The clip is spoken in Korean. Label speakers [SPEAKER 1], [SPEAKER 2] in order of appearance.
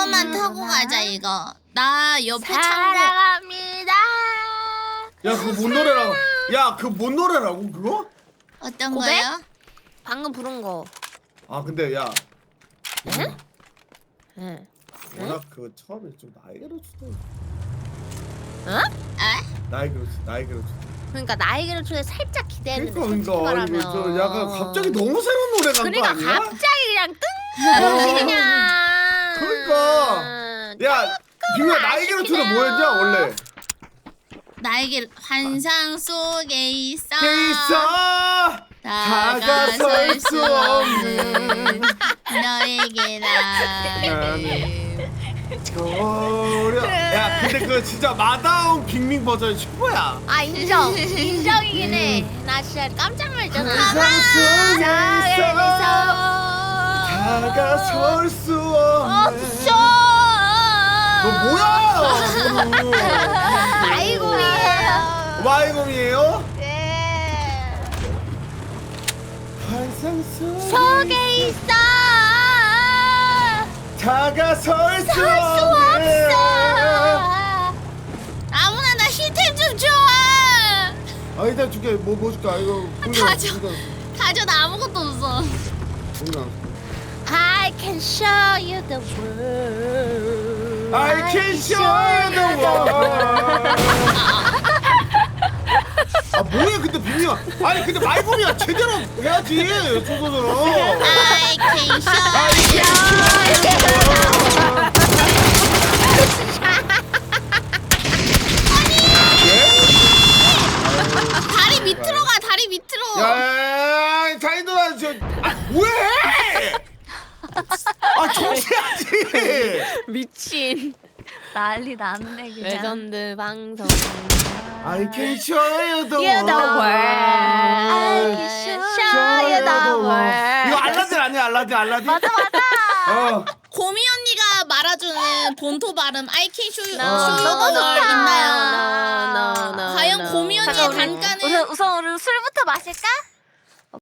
[SPEAKER 1] 이것만 타고 가자 이거. 나 옆에 창고.
[SPEAKER 2] 사랑합니다.
[SPEAKER 3] 야 그거 뭔 노래라고? 야 그거 뭔 노래라고 그거?
[SPEAKER 1] 어떤
[SPEAKER 2] 고백?
[SPEAKER 1] 거요?
[SPEAKER 2] 방금 부른 거.
[SPEAKER 3] 아 근데 야
[SPEAKER 2] 응? 응.
[SPEAKER 3] 워낙 그 처음에 좀 나에게로 주다.
[SPEAKER 2] 어?
[SPEAKER 3] 나에게로 주다.
[SPEAKER 2] 그러니까 나에게를 초대 살짝 기대했는데 솔직히
[SPEAKER 3] 그러니까
[SPEAKER 2] 말하면
[SPEAKER 3] 이거 저 약간 갑자기 너무 새로운 노래 간거
[SPEAKER 2] 그러니까
[SPEAKER 3] 아니야?
[SPEAKER 2] 갑자기 그냥 뜬금없이 그냥
[SPEAKER 3] 그러니까 야 빙야 나에게로 주다 뭐였냐 원래?
[SPEAKER 1] 나에게 환상 속에 있어.
[SPEAKER 3] 있어 다가설 수 없는
[SPEAKER 1] 너에게 나는
[SPEAKER 3] 야 근데 그 진짜 마다운 빅밍 버전이 최고야.
[SPEAKER 2] 아 인정이긴 해나 진짜 깜짝 놀랐잖아
[SPEAKER 3] 환상 속에 있어 다가설 수 없는 너 뭐야?
[SPEAKER 2] 아이고이에요
[SPEAKER 3] 마이공이에요?
[SPEAKER 2] 네
[SPEAKER 3] 환상
[SPEAKER 2] 속에 있어
[SPEAKER 3] 다가설 수
[SPEAKER 2] 수
[SPEAKER 3] 없는
[SPEAKER 2] 없어
[SPEAKER 1] 아무나 나 힐템 좀 줘.
[SPEAKER 3] 아 일단 줄게 뭐 줄까 이거
[SPEAKER 1] 다 줘. 다 줘. 나 아무것도 없어.
[SPEAKER 2] I can show you the world
[SPEAKER 3] I can show you the world. 아 뭐야 근데 빅미야 아니 근데 말고이야 제대로 해야지 순서대로.
[SPEAKER 1] I can show 다리 밑으로 가. 다리 밑으로.
[SPEAKER 3] 야 자이도아 저아 뭐해? 아 정치하지.
[SPEAKER 2] 미친
[SPEAKER 4] 난리 났네 그냥.
[SPEAKER 2] 레전드 방송
[SPEAKER 3] I can show you the
[SPEAKER 2] You the world I can show you the world
[SPEAKER 3] 이거 알라딘 아니야 알라딘?
[SPEAKER 4] 맞아.
[SPEAKER 3] 어.
[SPEAKER 1] 고미 언니가 말아주는 본토 발음 I can show you
[SPEAKER 2] 너무
[SPEAKER 1] the
[SPEAKER 2] 좋다
[SPEAKER 1] 있나요? 과연 고미 언니의
[SPEAKER 4] 잠깐
[SPEAKER 1] 단가는
[SPEAKER 4] 우선 우리 술부터 마실까?